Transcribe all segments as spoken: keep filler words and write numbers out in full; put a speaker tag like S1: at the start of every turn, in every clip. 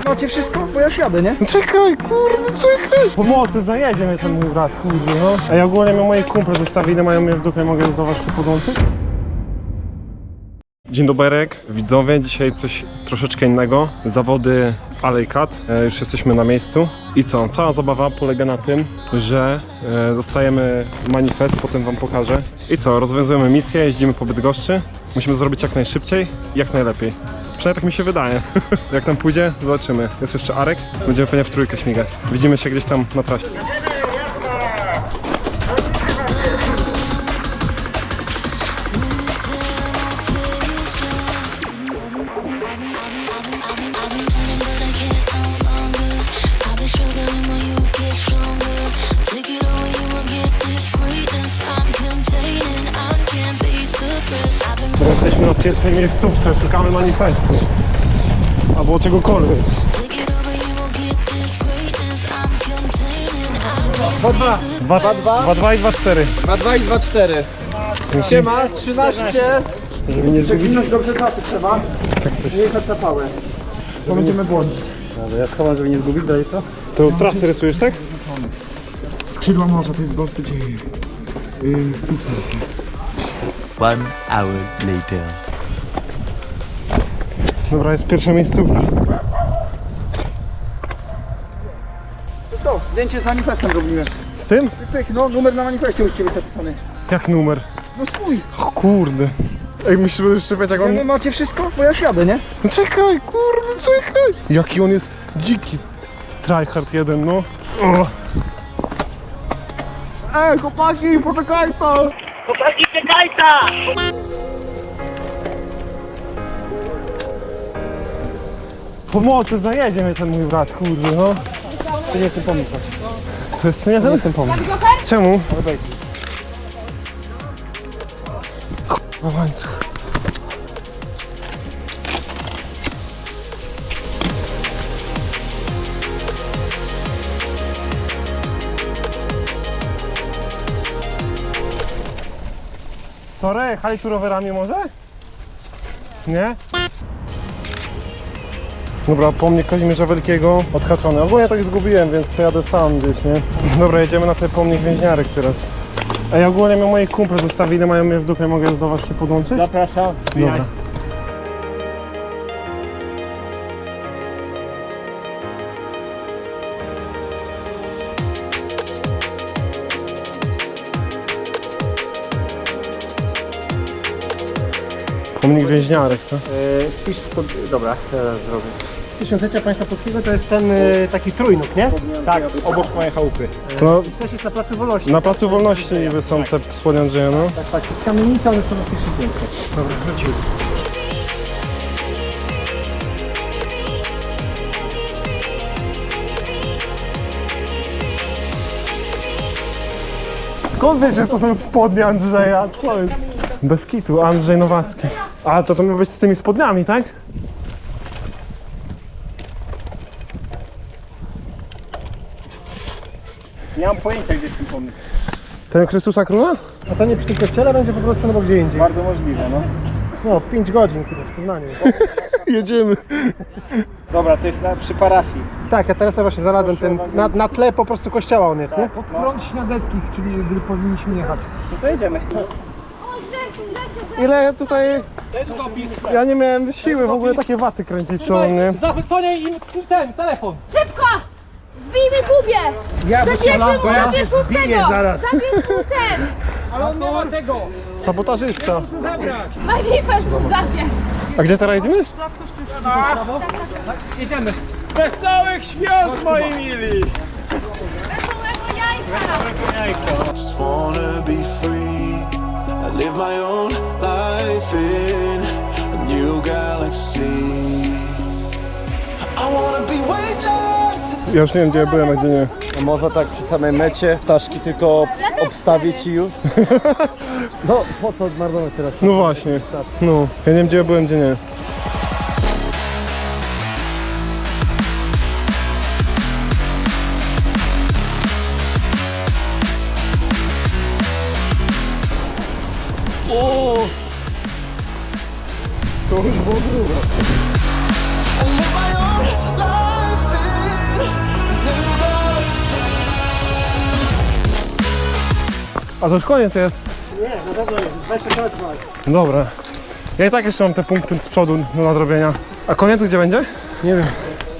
S1: macie wszystko? Bo ja już jadę, nie?
S2: No czekaj, kurde, czekaj! Pomocy, zajedzie mnie ten mój brat, kurde, no. Ej, ogólnie mnie moi kumple zostawili, mają mnie w dupie, mogę do was jeszcze podłączyć? Dzień doberek, widzowie, dzisiaj coś troszeczkę innego. Zawody Alley Cut, e, już jesteśmy na miejscu. I co? Cała zabawa polega na tym, że e, dostajemy manifest, potem wam pokażę. I co? Rozwiązujemy misję, jeździmy po Bydgoszczy. Musimy zrobić jak najszybciej i jak najlepiej. Przynajmniej tak mi się wydaje. Jak tam pójdzie, zobaczymy. Jest jeszcze Arek, będziemy pewnie w trójkę śmigać. Widzimy się gdzieś tam na trasie. Jesteśmy na pierwszej miejscówce, szukamy manifestu albo czegokolwiek. dwa dwa. dwa dwa i dwa cztery.
S1: dwa dwa i dwa cztery. Siema, trzynaście.
S2: Żeby nie zgubić.
S1: Przewinąć dobrze trasy trzeba. Nie jechać na pałę. Bo będziemy błądzić.
S2: Dobra, ja schowam, żeby nie zgubić, dalej co? To trasy rysujesz, tak?
S1: Skrzydła morza, to jest Balty dzieje. Yy,
S3: One hour later.
S2: Dobra, jest pierwsza miejscówka.
S1: Stop, zdjęcie z manifestem robimy.
S2: Z tym?
S1: Pyk, no numer na manifestie u ciebie zapisany.
S2: Jak numer?
S1: No swój.
S2: O kurde. Ej, myślę, że jeszcze jak on...
S1: Wy macie wszystko? Bo ja już jadę, nie?
S2: No czekaj, kurde, czekaj! Jaki on jest dziki. Tryhard jeden, no. O.
S1: Ej, chłopaki, poczekaj to!
S4: Chłopaki, czekaj ta!
S2: Pomocy, zajedzie mnie ten mój brat, kurde, no.
S1: To nie jest ten pomysł.
S2: Co jest to nie ten?
S1: jest ten pomysł.
S2: Czemu?
S1: Ale wejdź.
S2: O łańcuch. Sorry, jechali tu rowerami może? Nie? Dobra, pomnik Kazimierza Wielkiego odhaczony. Ogólnie tak zgubiłem, więc jadę sam gdzieś, nie? Dobra, jedziemy na ten pomnik więźniarek teraz. Ej, ogólnie mnie moi kumple zostawili, mają mnie w dupie, mogę do was się podłączyć?
S1: Zapraszam.
S2: Dobra. Pomnik więźniarek, to?
S5: Yy, Wpisz spod... Dobra, teraz zrobię. Tysiąclecia Państwa Polskiego to jest ten y, taki trójnóg, nie? Tak, obok mojej chałupy.
S2: To
S5: Coś jest na Placu Wolności.
S2: na Placu Wolności niby są te spodnie Andrzeja, no.
S5: Tak, tak, z kamienicy, ale są na pierwszym piętrze. Dobra, wróciły.
S2: Skąd wiesz, że to są spodnie Andrzeja? Co jest? Bez kitu, Andrzej Nowacki. A to to ma być z tymi spodniami, tak?
S5: Nie mam pojęcia, gdzie jest ten pomnik.
S2: Ten Chrystusa Króla?
S5: A to nie przy tym kościele, będzie po prostu no, gdzie indziej.
S1: Bardzo możliwe, no.
S5: No, pięć godzin chyba w Poznaniu.
S2: Jedziemy.
S1: Dobra, to jest na, przy parafii.
S5: Tak, ja teraz właśnie znalazłem ten, na, na tle po prostu kościoła on jest, nie?
S1: Od front Śniadeckich, czyli gdy powinniśmy jechać. No to jedziemy.
S2: Ile tutaj... Ja nie miałem siły w ogóle takie waty kręcić, co nie?
S6: Zachwycenie im ten telefon.
S7: Szybko! Wbijmy Kubie!
S1: Ja
S7: Zabierz mu, zabierz mu tego!
S1: zaraz.
S7: Zabierz mu ten!
S6: Ale on nie ma tego.
S2: Sabotażysta.
S7: Manifest mu zabierz!
S2: A gdzie teraz jedziemy?
S6: Jedziemy.
S1: Wesołych świąt, moi mili!
S7: Wesołego jajka!
S8: Just wanna be free. I live my own life in a new galaxy. I wanna be weightless.
S2: Ja już nie wiem, gdzie ja byłem, a gdzie nie.
S5: Może tak przy samej mecie, ptaszki tylko obstawić i już? No, po co zmarnować teraz?
S2: No właśnie. No. Ja nie wiem, gdzie ja byłem, gdzie nie. O! To już było grubo.
S8: I live my own life.
S2: A to już koniec jest.
S5: Nie, na pewno nie. dwadzieścia kilometrów.
S2: Dobra. Ja i tak jeszcze mam te punkty z przodu do nadrobienia. A koniec gdzie będzie?
S5: Nie wiem.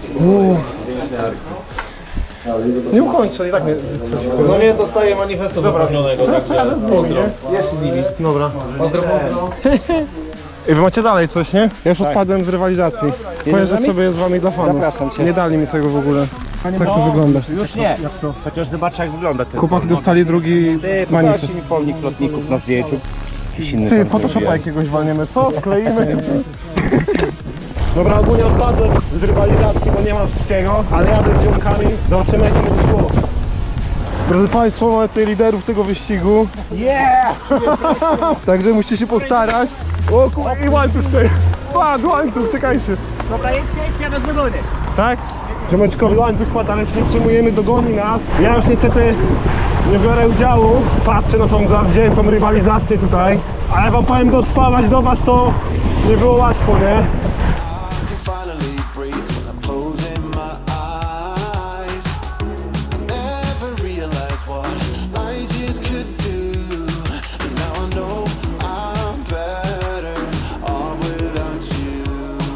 S2: Nie ukończę, i tak mnie
S6: No nie dostaję manifestu wypełnionego.
S2: Teraz jadę z nimi, nie?
S6: Jest z nimi.
S2: Dobra.
S6: Pozdro, pozdro.
S2: I wy macie dalej coś, nie? Ja już odpadłem z rywalizacji. Pojeżdżę sobie z wami dla fanów.
S5: Zapraszam cię.
S2: Nie dali mi tego w ogóle. Tak to wygląda.
S6: Już nie.
S5: Chociaż zobacz jak wygląda ten.
S2: Chłopaki dostali drugi manifest.
S5: mi pomnik lotników na zdjęciu. Jakiś inny
S2: Ty,
S5: tam
S2: Photoshopa
S5: zrobię.
S2: jakiegoś walniemy, co? Wkleimy. Dobra, ogólnie odpadłem z rywalizacji, bo nie ma wszystkiego, ale jadę z ziomkami, zobaczymy jak to szło. Drodzy Państwo, mamy tutaj liderów tego wyścigu.
S5: Yeah!
S2: Także musicie się postarać. O kur... i łańcuch się spadł, łańcuch, czekajcie.
S5: Dobra, jedźcie, jedźcie, ja was dogonię.
S2: Tak? Ziomeczkowi łańcuch wpadł, ale się nie przejmujemy, dogoni nas. Ja już niestety nie biorę udziału. Patrzę na tą zawziętą rywalizację tutaj. Ale wam powiem, dospawać do was to nie było łatwo, nie?
S8: I can finally breathe when I'm closing my eyes. I never realized what I just could do. But now I know I'm better off without you.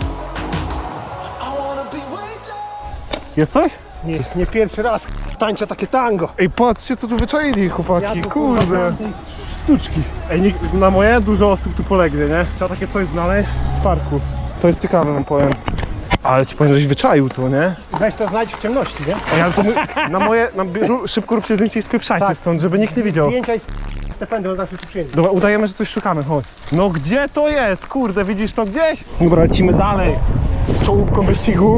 S8: I wanna be weightless.
S2: Jest coś?
S5: Nie, nie pierwszy raz tańczę takie tango.
S2: Ej, patrzcie co tu wyczaili chłopaki,
S5: Ja tu,
S2: kurde.
S5: kurwa,
S2: Sztuczki. Ej, nikt, na moje dużo osób tu polegnie, nie? Trzeba takie coś znaleźć w parku. To jest ciekawe, wam powiem. Ale ci powiem, żeś wyczaił to, nie?
S5: Weź to znajdź w ciemności, nie?
S2: Ej, ale to my, na moje, na bieżu, szybko róbcie zdjęcie i spieprzajcie
S5: Tak.
S2: stąd, żeby nikt nie widział.
S5: Zdjęcia i te pędy, on zawsze tu przyjedzie.
S2: Dobra, udajemy, że coś szukamy, chodź. No gdzie to jest? Kurde, widzisz to gdzieś? Dobra, lecimy dalej z czołówką wyścigu.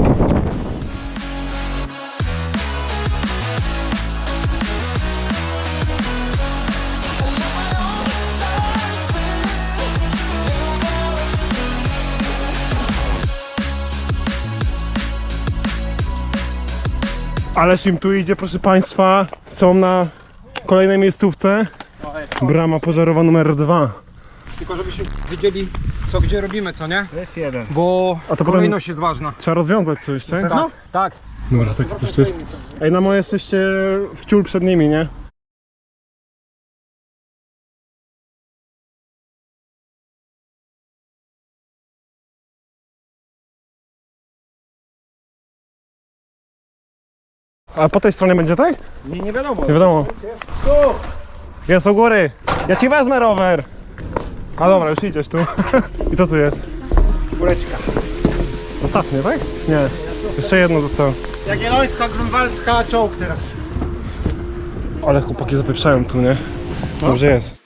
S2: Ależ im tu idzie, proszę Państwa. Są na kolejnej miejscówce. Brama pożarowa numer dwa.
S6: Tylko żebyśmy wiedzieli, co gdzie robimy, co nie?
S5: To jest jeden.
S6: Bo
S2: A to potem
S6: kolejność jest ważna.
S2: trzeba rozwiązać coś, tak?
S6: Tak, tak.
S2: Dobra, takie coś to jest. Ej, na moje jesteście w ciul przed nimi, nie? A po tej stronie będzie tak?
S5: Nie, nie wiadomo.
S2: Nie wiadomo. Jest u góry. Ja ci wezmę rower. A dobra, już idziesz tu. I co tu jest?
S5: Góreczka.
S2: Ostatnie, tak? Nie. Jeszcze jedno zostało.
S5: Jagiellońska, Grunwaldzka, czołg teraz.
S2: Ale chłopaki zapieprzają tu, nie? Dobrze jest.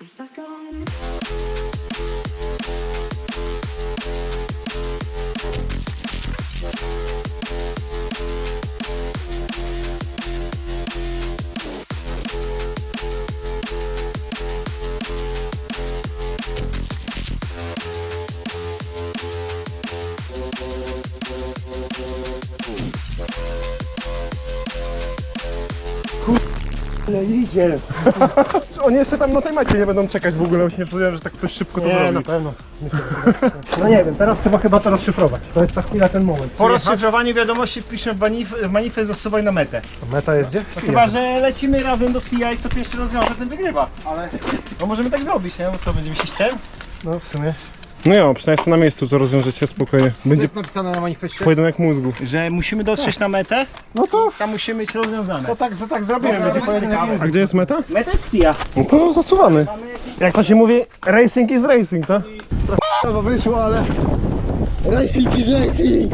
S5: Nie idzie.
S2: Oni jeszcze tam na tej macie nie będą czekać w ogóle, już nie czułem, że tak ktoś szybko to
S5: Nie,
S2: zrobi.
S5: na pewno. No nie wiem, teraz trzeba chyba to rozszyfrować. To jest ta chwila, ten moment.
S1: Po rozszyfrowaniu wiadomości piszę w manif- w manifest zasuwaj na metę.
S2: Meta jest gdzie?
S1: Chyba, że lecimy razem do C I, kto pierwszy rozwiąże, ten wygrywa. Ale no możemy tak zrobić, nie? Bo co, będziemy się ten?
S5: No w sumie.
S2: No jo, przynajmniej sobie na miejscu to rozwiążecie spokojnie.
S6: Co
S2: Będzie
S6: jest napisane na manifestie?
S2: pojedynek mózgu.
S1: Że musimy dotrzeć na metę, no to tam musimy mieć rozwiązane.
S5: To tak, to tak zrobimy, będzie pojedynek.
S2: A gdzie jest meta?
S1: Meta jest C I.
S2: No to zasuwamy. Jak to się mówi, racing is racing, tak?
S5: To wyszło, ale... Racing is racing!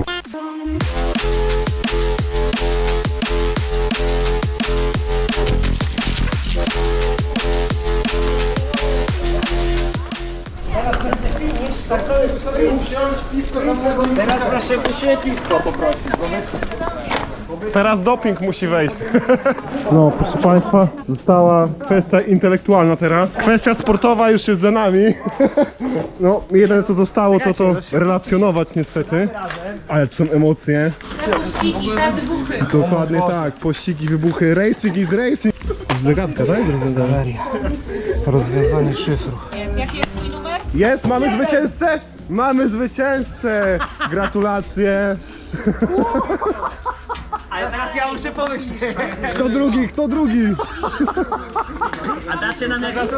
S1: Teraz nasze musimy piwko poprosić.
S2: Teraz doping musi wejść. No, proszę Państwa, została kwestia intelektualna teraz. Kwestia sportowa już jest za nami. No, jedyne co zostało to to relacjonować niestety. Ale to są emocje.
S7: Te pościgi, te wybuchy.
S2: Dokładnie tak, pościgi, wybuchy, racing is racing. Zagadka, tak?
S5: Galeria. Rozwiązanie szyfru.
S7: Jaki jest twój numer?
S2: Jest, mamy zwycięzcę! Mamy zwycięzcę! Gratulacje!
S1: Ale teraz ja muszę pomyśleć.
S2: Kto drugi, kto drugi?
S1: A dacie nam jakieś...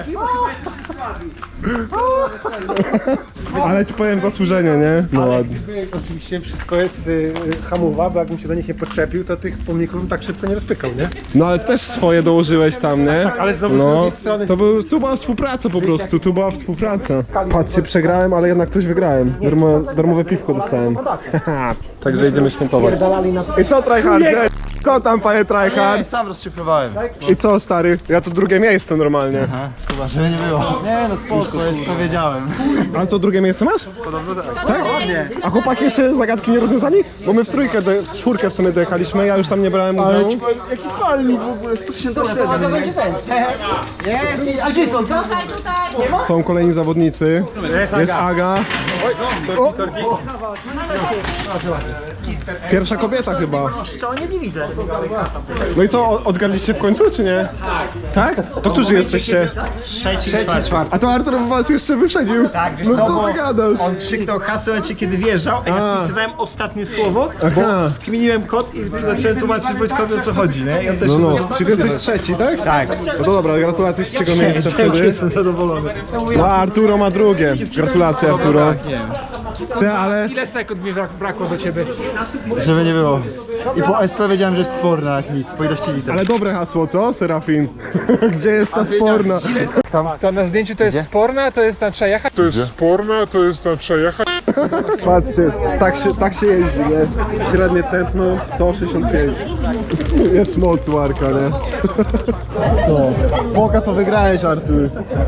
S2: Ale ci powiem zasłużenie, nie? No ładnie.
S5: Oczywiście wszystko jest y, hamowa, bo jakbym się do nich nie podczepił, to tych pomników bym tak szybko nie rozpykał, nie?
S2: No ale też swoje dołożyłeś tam, nie?
S5: Ale znowu z
S2: No,
S5: drugiej strony...
S2: to był, tu była współpraca po prostu, tu była współpraca. Patrzcie, przegrałem, ale jednak coś wygrałem. Darmo, darmowe piwko dostałem. Także idziemy świętować. I co, Tryhard? Co tam, panie Tryhard?
S9: Sam rozszyfrowałem.
S2: I co, stary? Ja to drugie miejsce normalnie.
S9: Chyba, żeby nie było. Nie no spoko, jest powiedziałem.
S2: Ale co, drugie miejsce masz?
S9: Podobno tak.
S2: Tak? A chłopaki jeszcze zagadki nie rozwiązali? Bo my w trójkę, do, w czwórkę w sumie dojechaliśmy, ja już tam nie brałem
S9: Ale
S2: udziału.
S9: ci powiem, jaki palnik w ogóle, sto siedemdziesiąt siedem. będzie ten. Jest, a gdzie są?
S7: Tutaj, tutaj.
S2: Są kolejni zawodnicy. Jest Aga. O! Pierwsza kobieta chyba.
S1: Nie widzę.
S2: No i co, o- odgadliście w końcu, czy nie? Tak. Tak? To którzy jesteście?
S1: Trzeci, czwarty.
S2: A to Artur was jeszcze wyprzedził.
S1: Tak, wiesz
S2: No
S1: co,
S2: co
S1: bo
S2: ty gadasz?
S1: on krzyknął hasło, kiedy wjeżdżał, a ja
S2: A.
S1: wpisywałem ostatnie słowo,
S2: Aha.
S1: skminiłem kod i zacząłem tłumaczyć Wojtkowi, o co chodzi, nie? I on też
S2: No no,
S1: już
S2: czyli ty jesteś trzeci, tak?
S1: Tak.
S2: No to dobra, gratulacje trzeciego miejsca wtedy.
S1: Jestem zadowolony.
S2: No a Arturo ma drugie. Gratulacje Arturo. Ty, ale...
S6: Ile sekund mi brak, brakło do ciebie?
S9: Żeby nie było. I po S P wiedziałem, że jest sporna jak nic, po ilości liter.
S2: Ale dobre hasło, co, Serafin? Gdzie jest ta sporna?
S6: Tam, to na zdjęciu to jest sporne, a to jest na trzeba jechać?
S2: Patrzcie, tak się, tak się jeździ, nie? Średnie tętno sto sześćdziesiąt pięć. Jest moc Marka, nie? Co? Poka co wygrałeś, Artur.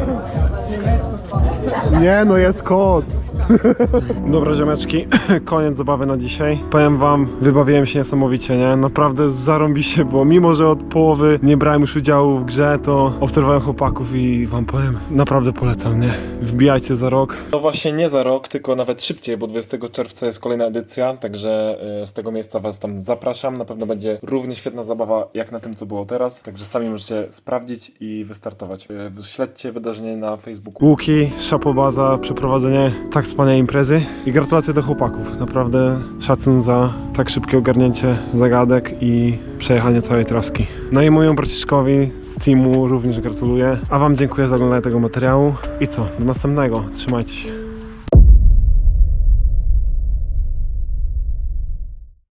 S2: Nie no, jest kod. Dobra ziomeczki, koniec zabawy na dzisiaj. Powiem wam, wybawiłem się niesamowicie, nie? Naprawdę zarąbiście było. Mimo, że od połowy nie brałem już udziału w grze, to obserwowałem chłopaków i wam powiem, naprawdę polecam, nie? Wbijajcie za rok. No właśnie nie za rok, tylko nawet szybciej, bo dwudziestego czerwca jest kolejna edycja, także y, z tego miejsca was tam zapraszam. Na pewno będzie równie świetna zabawa jak na tym, co było teraz, także sami możecie sprawdzić i wystartować. Y, Śledźcie wydarzenie na Facebooku. Łuki, szapoba za przeprowadzenie tak wspaniałej imprezy i gratulacje do chłopaków. Naprawdę szacun za tak szybkie ogarnięcie zagadek i przejechanie całej traski. No i mojemu braciszkowi z teamu również gratuluję, a wam dziękuję za oglądanie tego materiału i co, do następnego. Trzymajcie się.